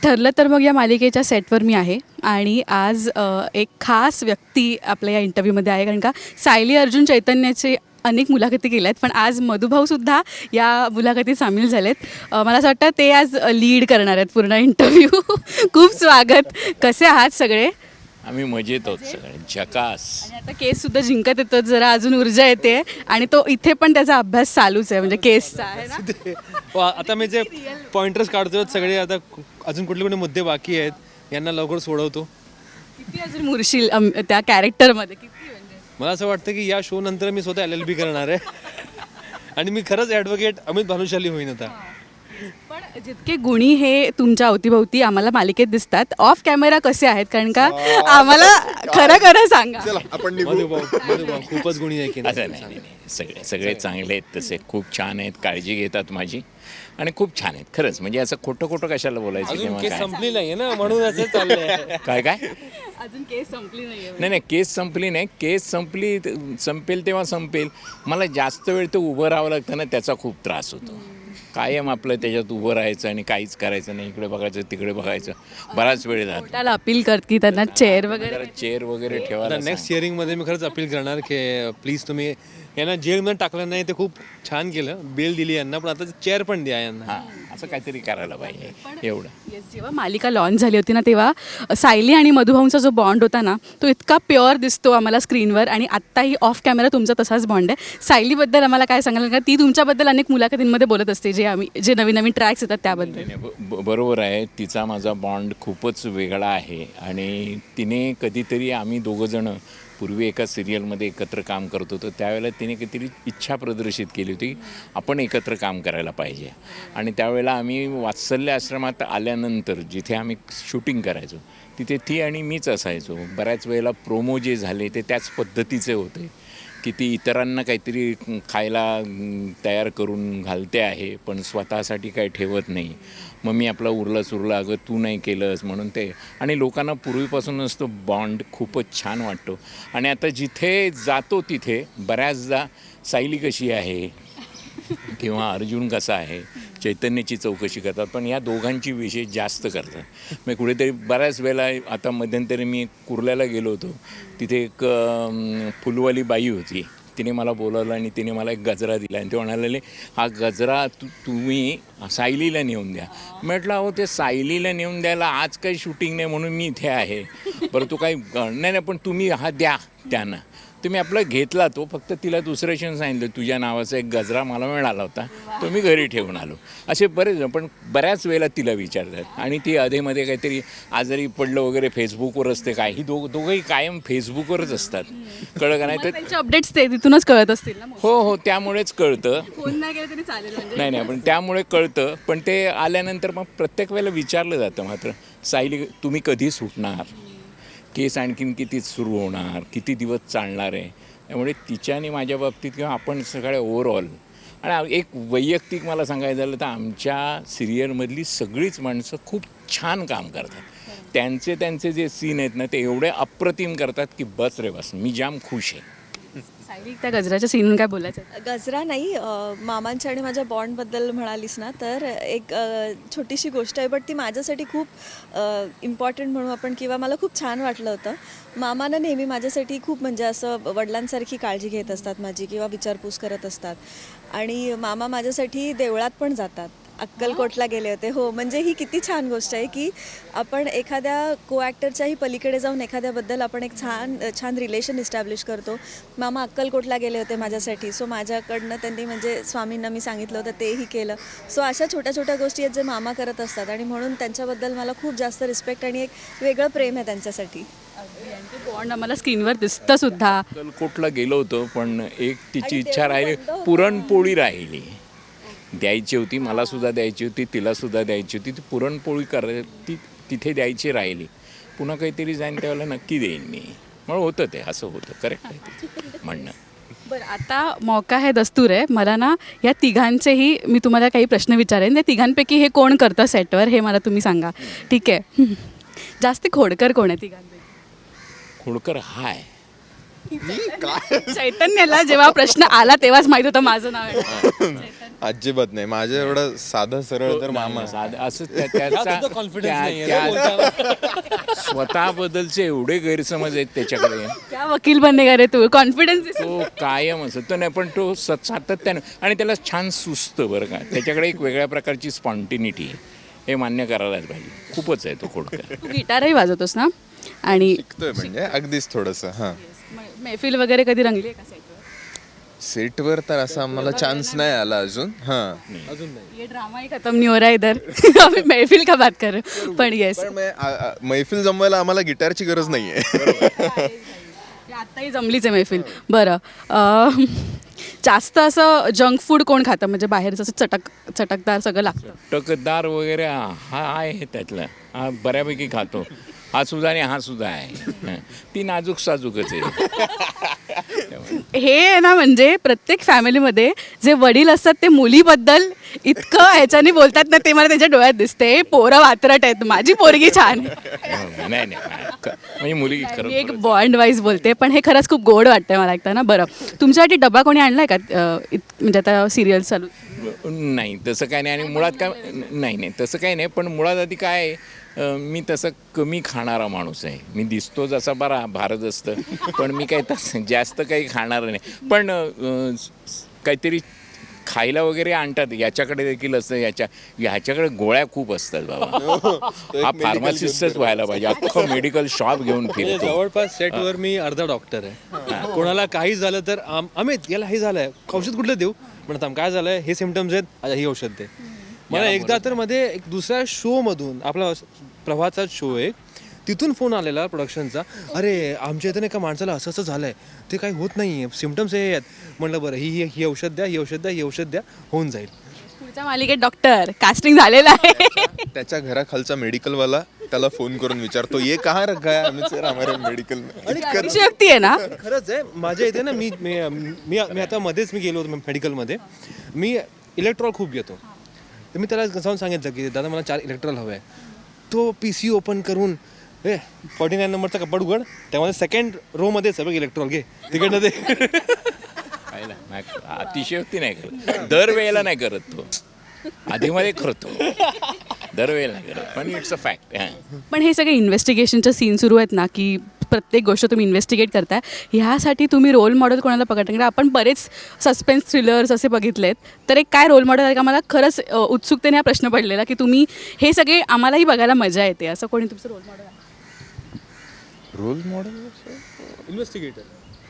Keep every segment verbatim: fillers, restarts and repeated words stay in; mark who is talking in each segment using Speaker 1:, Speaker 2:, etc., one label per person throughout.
Speaker 1: ठरलं तर मग या मालिकेच्या सेटवर मी आहे आणि आज अ, एक खास व्यक्ती आपल्या या इंटरव्ह्यूमध्ये आहे, कारण का सायली अर्जुन चैतन्याचे अनेक मुलाखती केल्या आहेत, पण आज मधुभाऊसुद्धा या मुलाखतीत सामील झालेत. अ, मला असं वाटतं ते आज लीड करणार आहेत पूर्ण इंटरव्ह्यू. खूप स्वागत. कसे आहात सगळे?
Speaker 2: आम्ही मजेत आहोत सगळे, झकास.
Speaker 1: आणि आता केससुद्धा जिंकत येतो, जरा अजून ऊर्जा येते आणि तो इथे पण त्याचा अभ्यास चालूच आहे, म्हणजे केसचा आहे ना.
Speaker 3: वा, आता मी जे पॉइंटर्स काढतोय सगळे, आता कु- अजून कुठले कुठले मुद्दे बाकी आहेत यांना लवकर सोडवतो.
Speaker 1: किती अजून मुरशील अम, त्या कॅरेक्टरमध्ये किती म्हणजे?
Speaker 3: मला असं वाटतं की या शो नंतर मी स्वतः एल एल बी करणार आहे आणि मी खरंच ॲडव्होकेट अमित भानुशाली होईन आता.
Speaker 1: पण जितके गुणी हे तुमच्या अवतीभवती आम्हाला मालिकेत दिसतात, ऑफ कॅमेरा कसे आहेत? कारण का आम्हाला खरं खरं सांगा.
Speaker 4: आपण निघू.
Speaker 3: मधुभाऊ मधुभाऊ खूपच गुणी आहे की नाही?
Speaker 2: असं नाही, नाही नाही. सगळे सगळे चांगले आहेत, तसे खूप छान आहेत, काळजी घेतात माझी आणि खूप छान आहेत खरंच. म्हणजे असं खोटं खोटं कशाला बोलायचं
Speaker 3: अजून
Speaker 2: किंवा
Speaker 3: केस
Speaker 2: काय
Speaker 3: संपली नाहीये ना, म्हणून असं चाललंय.
Speaker 2: काय काय
Speaker 1: अजून केस संपली नाहीये.
Speaker 2: नाही नाही, केस संपली नाही. केस संपली संपेल तेव्हा संपेल. मला जास्त वेळ ते उभं राहावं लागतं ना, त्याचा खूप त्रास होतो. कायम आपलं त्याच्यात उभं राहायचं आणि काहीच करायचं नाही, इकडे बघायचं तिकडे बघायचं, बराच वेळ जातो.
Speaker 1: कोर्टाला अपील करत की त्यांना चेअर वगैरे.
Speaker 2: जरा चेअर वगैरे
Speaker 3: आता
Speaker 2: ठेवायला
Speaker 3: नेक्स्ट हिअरिंगमध्ये मी खरंच अपील करणार की प्लीज तुम्ही यांना जेलमध्ये टाकलं नाही, ते खूप छान केलं, बेल दिली यांना, पण आता चेअर पण द्या यांना.
Speaker 2: हां, असं काहीतरी करायला पाहिजे एवढं.
Speaker 1: येस, जेव्हा मालिका लॉन्च झाली होती ना, तेव्हा सायली आणि मधुभाऊंचा जो बॉन्ड होता ना, तो इतका प्युअर दिसतो आम्हाला स्क्रीनवर, आणि आत्ताही ऑफ कॅमेरा तुमचा तसाच बॉन्ड आहे. सायलीबद्दल आम्हाला काय सांगाल? का ती तुमच्याबद्दल अनेक मुलाखतींमध्ये बोलत असते, जे आम्ही जे नवीन नवीन ट्रॅक्स येतात त्याबद्दल.
Speaker 2: नाही, नाही, ब- ब- बरोबर आहे. तिचा माझा बॉन्ड खूपच वेगळा आहे आणि तिने कधीतरी, आम्ही दोघंजणं पूर्वी एका सिरियलमध्ये एकत्र काम करत होतो, त्यावेळेला तिने काहीतरी इच्छा प्रदर्शित केली होती, आपण एकत्र काम करायला पाहिजे. आणि त्यावेळेला आम्ही वात्सल्य आश्रमात आल्यानंतर जिथे आम्ही शूटिंग करायचो, तिथे ती आणि मीच असायचो. बऱ्याच वेळेला प्रोमो जे झाले ते त्याच पद्धतीचे होते की ती इतरांना काहीतरी खायला तयार करून घालते आहे, पण स्वतःसाठी काही ठेवत नाही. मग मी आपला उरला सुरला, अगं तू नाही केलंस म्हणून ते. आणि लोकांना पूर्वीपासूनच तो बॉन्ड खूपच छान वाटतो. आणि आता जिथे जातो तिथे बऱ्याचदा सायली कशी आहे किंवा अर्जुन कसा आहे, चैतन्याची चौकशी करतात, पण या दोघांची विशेष जास्त करतात. मग कुठेतरी बऱ्याच वेळेला, आता मध्यंतरी मी कुर्ल्याला गेलो होतो, तिथे एक अं, फुलवाली बाई होती, तिने मला बोलावलं आणि तिने मला एक गजरा दिला आणि ते म्हणाले, हा गजरा तू तुम्ही सायलीला नेऊन द्या. म्हटलं अहो, ते सायलीला नेऊन द्यायला आज काही शूटिंग नाही म्हणून मी इथे आहे. बरं तू काही नाही नाही, पण तुम्ही हा द्या त्यांना. तुम्ही आपला घेतला तो, फक्त तिला दुसऱ्या दिवशी सांगितलं तुझ्या नावाचा एक गजरा मला मिळाला होता, तो मी घरी ठेवून आलो. असे बरेच जण, पण बऱ्याच वेळेला तिला विचारतात. आणि ती अधेमध्ये काहीतरी आजारी पडलं वगैरे फेसबुकवर असते, काय ही दोघ दोघंही कायम फेसबुकवरच असतात. कळलं का नाही? तर
Speaker 1: त्यांचे अपडेट्स ते तिथूनच कळत असतील ना.
Speaker 2: हो हो, त्यामुळेच कळतं.
Speaker 1: फोन नाही केला तरी चालेल म्हणजे.
Speaker 2: नाही नाही, पण त्यामुळे कळतं. पण ते आल्यानंतर मग प्रत्येक वेळेला विचारलं जातं, मात्र सायली तुम्ही कधी सुटणार, केस आणखीन किती सुरू होणार, किती दिवस चालणार आहे. त्यामुळे तिच्या आणि माझ्या बाबतीत किंवा आपण सगळ्या ओव्हरऑल, आणि एक वैयक्तिक मला सांगायचं झालं तर आमच्या सिरियलमधली सगळीच माणसं खूप छान काम करतात. त्यांचे त्यांचे जे सीन आहेत ना, ते एवढे अप्रतिम करतात की बस रे बस, मी जाम खुश आहे.
Speaker 1: सायली, त्या गजराच्या सीन काय बोलायचं?
Speaker 5: गजरा नाही, अ, मामांच्या आणि माझ्या बॉन्डबद्दल म्हणालीस ना, तर एक अ, छोटीशी गोष्ट आहे, बट ती माझ्यासाठी खूप इम्पॉर्टंट म्हणू आपण, किंवा मला खूप छान वाटलं होतं. मामाना नेहमी माझ्यासाठी खूप म्हणजे असं वडिलांसारखी काळजी घेत असतात माझी, किंवा विचारपूस करत असतात. आणि मामा माझ्यासाठी देवळात पण जातात, अक्कलकोटला गेले होते. हो, म्हणजे ही किती छान गोष्ट आहे की आपण एखाद्या को ॲक्टरच्याही पलीकडे जाऊन एखाद्याबद्दल आपण एक छान छान रिलेशन इस्टॅब्लिश करतो. मामा अक्कलकोटला गेले होते माझ्यासाठी, सो माझ्याकडनं त्यांनी म्हणजे स्वामींना मी सांगितलं होतं तेही केलं. सो अशा छोट्या छोट्या गोष्टी आहेत जे मामा करत असतात, आणि म्हणून त्यांच्याबद्दल मला खूप जास्त रिस्पेक्ट आणि एक वेगळं प्रेम आहे त्यांच्यासाठी.
Speaker 1: बॉन्ड आम्हाला स्क्रीनवर दिसतं सुद्धा.
Speaker 2: अक्कलकोटला गेलो होतो, पण एक तिची इच्छा राहिली, पुरणपोळी राहिली, द्यायची होती, मला सुद्धा द्यायची होती, तिला सुद्धा द्यायची होती. ती पुरणपोळी कर ती तिथे द्यायची राहिली. पुन्हा काहीतरी जाईन त्यावेळेला नक्की देईन मी. म्हणून होतं ते, असं होतं. करेक्ट आहे म्हणणं.
Speaker 1: बरं, आता मौका है दस्तूर आहे. मला ना या तिघांचेही मी तुम्हाला काही प्रश्न विचारेन. त्या तिघांपैकी हे कोण करतं सेटवर, हे मला तुम्ही सांगा, ठीक आहे? जास्त खोडकर कोण आहे तिघांपैकी?
Speaker 2: खोडकर हाय
Speaker 1: चैतन्याला जेव्हा प्रश्न आला तेव्हाच माहित होतं माझं नाव आहे.
Speaker 4: अजिबात नाही माझं एवढं साधं सरळ तर मामा
Speaker 2: साधं- असं त्या- त्याचा
Speaker 3: confidence
Speaker 2: त्या-
Speaker 3: नाहीये
Speaker 2: त्या- स्वतःबद्दलचे एवढे गैरसमज आहेत त्याच्याकडे.
Speaker 1: क्या वकील बनेगा रे तू, कॉन्फिडन्स.
Speaker 2: तो कायम असं तो नाही, पण तो सत सातत्यानं आणि त्याला छान सुचतं बरं का. त्याच्याकडे एक वेगळ्या प्रकारची स्पॉन्टिनिटी आहे, हे मान्य करायलाच पाहिजे. खूपच आहे तो खोडकर.
Speaker 1: तू गिटारही वाजवतोस ना? आणि
Speaker 4: शिकतोय म्हणजे अगदीच थोडंसं हां
Speaker 1: मैफिल वगैरे कधी रंगली आहे का सेटवर?
Speaker 4: सेटवर तर असा आम्हाला चान्स नाही आला अजून हां
Speaker 3: अजून नाही.
Speaker 1: ये ड्रामा ही खत्म नहीं हो रहा है इधर. अभी महफिल का बात कर रहे हैं. पण येस,
Speaker 4: पण मै- आ- आ- मैफिल जमवायला आम्हाला गिटारची गरज नाहीये.
Speaker 1: आत्ताही जमलीच आहे मैफिल. बरं, अं, जास्त असं जंक फूड कोण खातं, म्हणजे बाहेरचं असं चटक चटकदार सगळं लागतं?
Speaker 2: टकदार वगैरे हा आहे त्यातला, हा बऱ्यापैकी खातो. हा सुद्धा आणि हा सुद्धा आहे. हं. ती नाजूक साजूकच आहे.
Speaker 1: हे आहे ना, म्हणजे प्रत्येक फॅमिलीमध्ये जे वडील असतात ते मुलीबद्दल इतकं ह्याच्याने बोलतात ना, ते मला त्याच्या डोळ्यात दिसते. पोरं वात्रट आहेत, माझी पोरगी छान आहे.
Speaker 2: हं, नाही नाही क- म्हणजे मुलगी
Speaker 1: मी
Speaker 2: खरं
Speaker 1: एक बॉन्ड वाईज बोलते, पण हे खरंच खूप गोड वाटतंय मला ऐकताना. बरं, तुमच्यासाठी डबा कोणी आणलाय का? अं, इत- म्हणजे आता सिरियल चालू.
Speaker 2: नाही तसं काय नाही. आणि मुळात काय नाही नाही तसं काही नाही. पण मुळात आधी काय आहे, अं, मी तसं कमी खाणारा माणूस आहे. मी दिसतो जसा बरा भारत असतं, पण मी काही तसं जास्त काही खाणार नाही. पण अं, काहीतरी खायला वगैरे आणतात, याच्याकडे देखील असतं. याच्या ह्याच्याकडे गोळ्या खूप असतात बाबा. हा फार्मासिस्टच व्हायला पाहिजे, अख्खं मेडिकल शॉप घेऊन
Speaker 3: म्हणजे
Speaker 2: फिरतो.
Speaker 3: जवळपास सेटवर मी अर्धा डॉक्टर आहे. कोणाला काही झालं तर आम- अमित याला हे झालंय, औषध कुठलं देऊ म्हणत, आम काय झालंय, हे सिमटम्स आहेत, अच्छा ही औषध दे. मला एकदा तर मध्ये एक दुसऱ्या शो मधून, आपला प्रभातचा शो एक, तिथून फोन आलेला प्रोडक्शनचा, अरे आमच्या इथं एका माणसाला असं असं झालंय, ते काही होत नाही आहे, सिमटम्स हे आहेत. म्हणलं बरं, ही ही ही औषध द्या, ही औषध द्या, ही औषध द्या, होऊन जाईल.
Speaker 1: पुढच्या मालिकेत डॉक्टर कास्टिंग झालेलं आहे.
Speaker 4: त्याच्या घराखालचा मेडिकलवाला त्याला फोन करून विचारतो ये कहाँ रखा है अमित सर हमारे मेडिकल में.
Speaker 1: अतिशयोक्ती आहे ना.
Speaker 3: खरंच आहे, माझ्या इथे ना, मी मी मी मी आता मध्येच मी गेलो होतो मेडिकलमध्ये, मी इलेक्ट्रॉल खूप घेतो. तर मी त्याला जाऊन सांगितलं की दादा मला चार इलेक्ट्रॉल हवं आहे. तो पी सी ओपन करून, ए फॉर्टी नाईन नंबरचा कपाट उघड, त्यामध्ये सेकंड रोमध्ये सगळं इलेक्ट्रॉल घे, तिकडनं ते.
Speaker 2: पाहिलं? नाही, अतिशयोक्ती नाही करत, दरवेळेला नाही करत तो, आधीमध्ये करतो, दरवेळेला नाही करत, पण इट्स अ फॅक्ट.
Speaker 1: पण हे सगळे इन्व्हेस्टिगेशनचे सीन सुरू आहेत ना, की प्रत्येक गोष्ट तुम्ही इन्व्हेस्टिगेट करताय, ह्यासाठी तुम्ही रोल मॉडेल कोणाला पकडता? कारण आपण बरेच सस्पेन्स थ्रिलर्स असे बघितलेत, तर एक काय रोल मॉडेल आहे का? मला खरंच अ, उत्सुकतेने हा प्रश्न पडलेला की तुम्ही हे सगळे आम्हालाही बघायला मजा येते, असं कोणी तुमचं रोल मॉडेल आहे?
Speaker 4: रोल मॉडेल
Speaker 3: इन्व्हेस्टिगेटर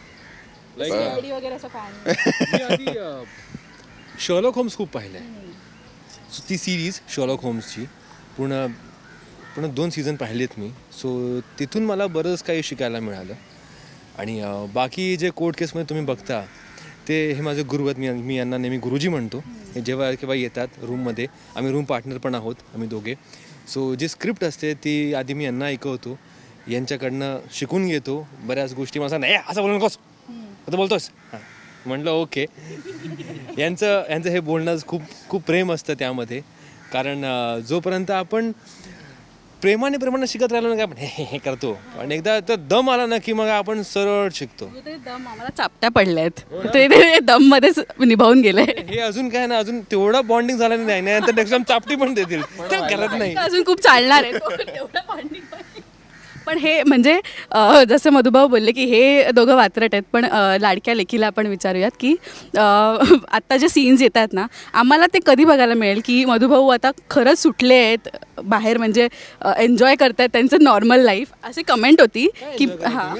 Speaker 1: वगैरे असं काय?
Speaker 3: मी आधी शर्लॉक होम्स खूप पाहिलं आहे. ती सिरीज शर्लॉक होम्सची पूर्ण पूर्ण दोन सीझन पाहिलेत मी. सो तिथून मला बरंच काही शिकायला मिळालं. आणि अं, बाकी जे कोर्ट केसमध्ये तुम्ही बघता ते हे माझे गुरु आहेत. मी मी यांना नेहमी गुरुजी म्हणतो. हे जेव्हा केव्हा येतात रूममध्ये, आम्ही रूम पार्टनर पण आहोत आम्ही दोघे. सो जी स्क्रिप्ट असते ती आधी मी यांना ऐकवतो, यांच्याकडनं शिकून घेतो बऱ्याच गोष्टी. मला नाही असं बोलू नकोस, आता बोलतोस, हां म्हटलं ओके. यांचं यांचं हे बोलणं खूप खूप प्रेम असतं त्यामध्ये. कारण अं, जोपर्यंत आपण प्रेमाने प्रेमाने शिकत राहिलो ना, काय आपण हे हे- हे करतो, पण एकदा तर दम आला ना की मग आपण सरळ शिकतो.
Speaker 1: ते दम आम्हाला चापट्या पडल्या आहेत, ते ते दम मध्येच निभावून गेले.
Speaker 3: हे अजून काय ना, अजून तेवढा बॉन्डिंग झाला नाही, नाही तर नेक्स्ट टाइम चापटी पण देतील, ते करत नाही.
Speaker 1: अजून खूप चालणार आहे तो, तेवढं bonding पण. पण हे म्हणजे अ, जसं मधुभाऊ बोलले की हे दोघं वात्रट आहेत, पण अ, लाडक्या लेकीला आपण विचारूयात की अ, आत्ता जे सीन्स येतात ना, आम्हाला ते कधी बघायला मिळेल की मधुभाऊ आता खरंच सुटले आहेत बाहेर, म्हणजे एन्जॉय करतायत त्यांचं नॉर्मल लाईफ, अशी कमेंट होती की हां.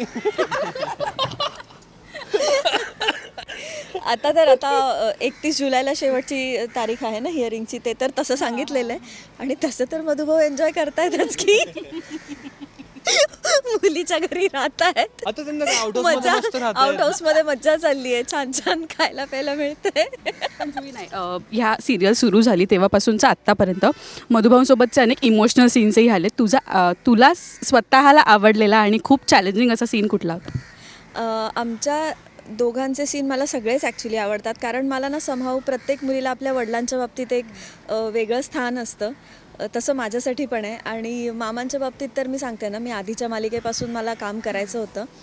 Speaker 5: आता तर आता एकतीस जुलैला शेवटची तारीख आहे ना हिअरिंगची, ते तर तसं सांगितलेलं आहे. आणि तसं तर मधुभाऊ एन्जॉय करतायतच की मुलीच्या घरी राहत आहेत,
Speaker 3: आता त्यांना आउट
Speaker 5: मजा
Speaker 3: हाऊस
Speaker 5: आउट हाऊस मध्ये मजा चालली आहे, छान छान खायला प्यायला मिळतंय.
Speaker 1: पण तुम्ही नाही, अ, ह्या सिरियल सुरू झाली तेव्हापासूनचं आत्तापर्यंत मधुभाऊंसोबतचे अनेक इमोशनल सीन्सही आले. तुझा अ, तुला स्वतःला आवडलेला आणि खूप चॅलेंजिंग असा सीन कुठला होता?
Speaker 5: अ, आमच्या दोघांचे सीन मला सगळेच ॲक्च्युली आवडतात. कारण मला ना समहाऊ प्रत्येक मुलीला आपल्या वडिलांच्या बाबतीत एक अ, वेगळं स्थान असतं. अ, तसं माझ्यासाठी पण आहे. आणि मामांच्या बाबतीत तर मी सांगते ना, मी आधीच्या मालिकेपासून मला काम करायचं होतं.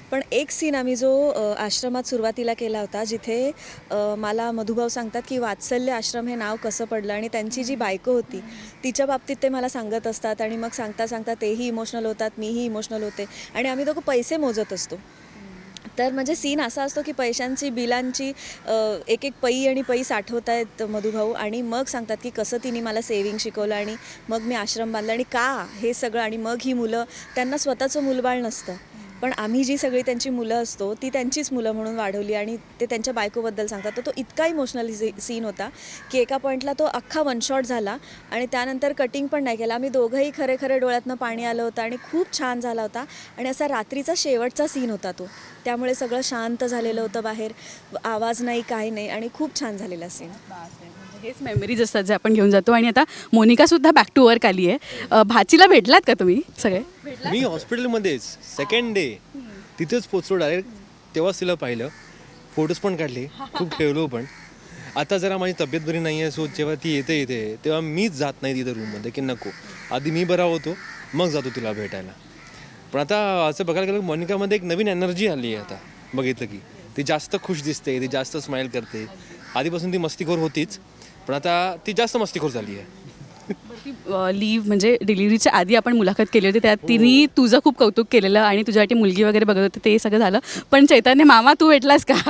Speaker 5: पण एक सीन आम्ही जो अ, आश्रमात सुरुवातीला केला होता, जिथे अ, मला मधुभाऊ सांगतात की वात्सल्य आश्रम हे नाव कसं पडलं आणि त्यांची जी बायको होती तिच्या बाबतीत ते मला सांगत असतात आणि मग सांगता सांगता तेही इमोशनल होतात, मीही इमोशनल होते आणि आम्ही दोघं पैसे मोजत असतो. तर म्हणजे सीन असा असतो की पैशांची बिलांची अ, एक एक पै आणि पै साठवत आहेत मधुभाऊ आणि मग सांगतात की कसं तिने मला सेविंग शिकवलं आणि मग मी आश्रम बांधला आणि का हे सगळं आणि मग ही मुलं, त्यांना स्वतःचं मूलबाळ नसतं पण आम्ही जी सगळी त्यांची मुलं असतो ती त्यांचीच मुलं म्हणून वाढवली आणि ते त्यांच्या बायकोबद्दल सांगतात. तर तो इतका इमोशनल सीन होता की एका पॉईंटला तो अख्खा वन शॉट झाला आणि त्यानंतर कटिंग पण नाही केला. आम्ही दोघंही खरे खरे डोळ्यातनं पाणी आलं होतं आणि खूप छान झाला होता आणि असा रात्रीचा शेवटचा सीन होता तो, त्यामुळे सगळं शांत झालेलं होतं, बाहेर आवाज नाही काही नाही आणि खूप छान झालेला सीन.
Speaker 1: हेच मेमरीज असतात जे आपण घेऊन जातो. आणि आता मोनिकासुद्धा बॅक टू वर्क आली आहे. अ, भाचीला भेटलात का तुम्ही सगळे?
Speaker 3: मी हॉस्पिटलमध्येच सेकंड डे तिथेच पोचलो डायरेक्ट, तेव्हाच तिला पाहिलं, फोटोज पण काढले, खूप ठेवलो पण. आता जरा माझी तब्येत बरी नाही आहे, सो जेव्हा ती येते येते तेव्हा मीच जात नाही तिथं रूममध्ये की नको, आधी मी बरा होतो मग जातो तिला भेटायला. पण आता असं बघायला गेलं मोनिकामध्ये एक नवीन एनर्जी आली आहे. आता बघितलं की ती जास्त खुश दिसते, ती जास्त स्माईल करते. आधीपासून ती मस्तीखोर होतीच पण आता ती जास्त मस्तीखोर झाली आहे.
Speaker 1: लीव्ह म्हणजे डिलिव्हरीच्या आधी आपण मुलाखत केली होती, त्यात तिने तुझं खूप कौतुक केलेलं आणि तुझ्यासाठी मुलगी वगैरे बघत होते, ते सगळं झालं. पण चैतन्य मामा तू भेटलास का?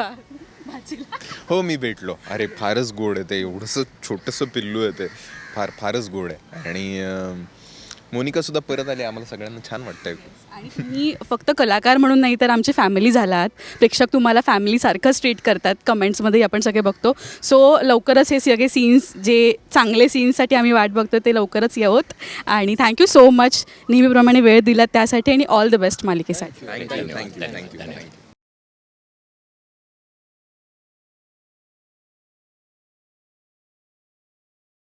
Speaker 4: हो मी भेटलो. अरे फारच गोड आहे ते, एवढंसं छोटंसं पिल्लू आहे ते, फार फारच गोड आहे. आणि अं, मोनिका सुद्धा परत आली, आम्हाला सगळ्यांना छान वाटतंय.
Speaker 1: आणि तुम्ही फक्त कलाकार म्हणून नाही तर आमची फॅमिली झालात. प्रेक्षक तुम्हाला फॅमिलीसारखंच ट्रीट करतात, कमेंट्समध्ये आपण सगळे बघतो. सो लवकरच हे सगळे सीन्स, जे चांगले सीन्ससाठी आम्ही वाट बघतो ते लवकरच येवोत. आणि थँक्यू सो मच नेहमीप्रमाणे वेळ दिलात त्यासाठी आणि ऑल द बेस्ट मालिकेसाठी.
Speaker 4: Thank you thank you thank you thank you